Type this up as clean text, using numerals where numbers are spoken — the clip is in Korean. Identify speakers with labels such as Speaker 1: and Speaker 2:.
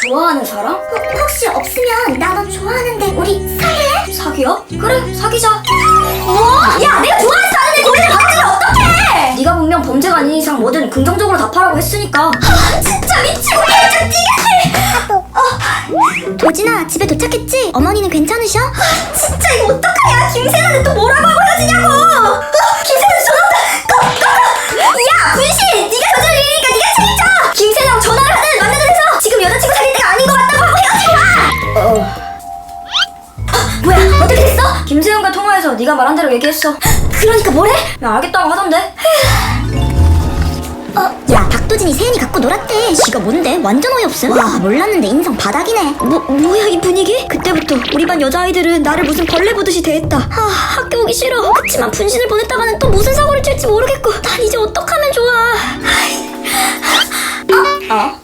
Speaker 1: 좋아하는 사람?
Speaker 2: 혹시 없으면 나 너 좋아하는데 우리 사귈래?
Speaker 1: 사귀어? 그래, 사귀자.
Speaker 2: 뭐? 야 내가 좋아해서 아는데 고리를 바꾸면 어떡해?
Speaker 1: 네가 분명 범죄가 아닌 이상 뭐든 긍정적으로 답하라고 했으니까.
Speaker 2: 진짜 미치고 팔짝 뛰겠네. 도진아 집에 도착했지? 어머니는 괜찮으셔? 진짜 이거 어떡하냐? 김세나는 또 뭐라고 하고 헤어지냐고. 김세나 전화 야 분신 네가 저질 일이니까 네가 책임져. 김세나랑 전화를 하든 만나든 해서 지금 여자친구 사귈 때가 아닌 것 같다고 하고 헤어지고 와. 뭐야 어떻게 됐어?
Speaker 1: 김세윤과 통화해서 네가 말한 대로 얘기했어.
Speaker 2: 그러니까 뭐래?
Speaker 1: 야, 알겠다고 하던데.
Speaker 2: 야 박도진이 세윤이 갖고 놀았대. 지가 뭔데? 완전 어이없음. 와 몰랐는데 인성 바닥이네.
Speaker 1: 뭐야 이 분위기? 그때부터 우리 반 여자아이들은 나를 무슨 벌레 보듯이 대했다. 학교 오기 싫어. 그치만 분신을 보냈다가는 또 무슨 사고를 칠지 모르겠고 난 이제 어떡하면 좋아.
Speaker 2: 어?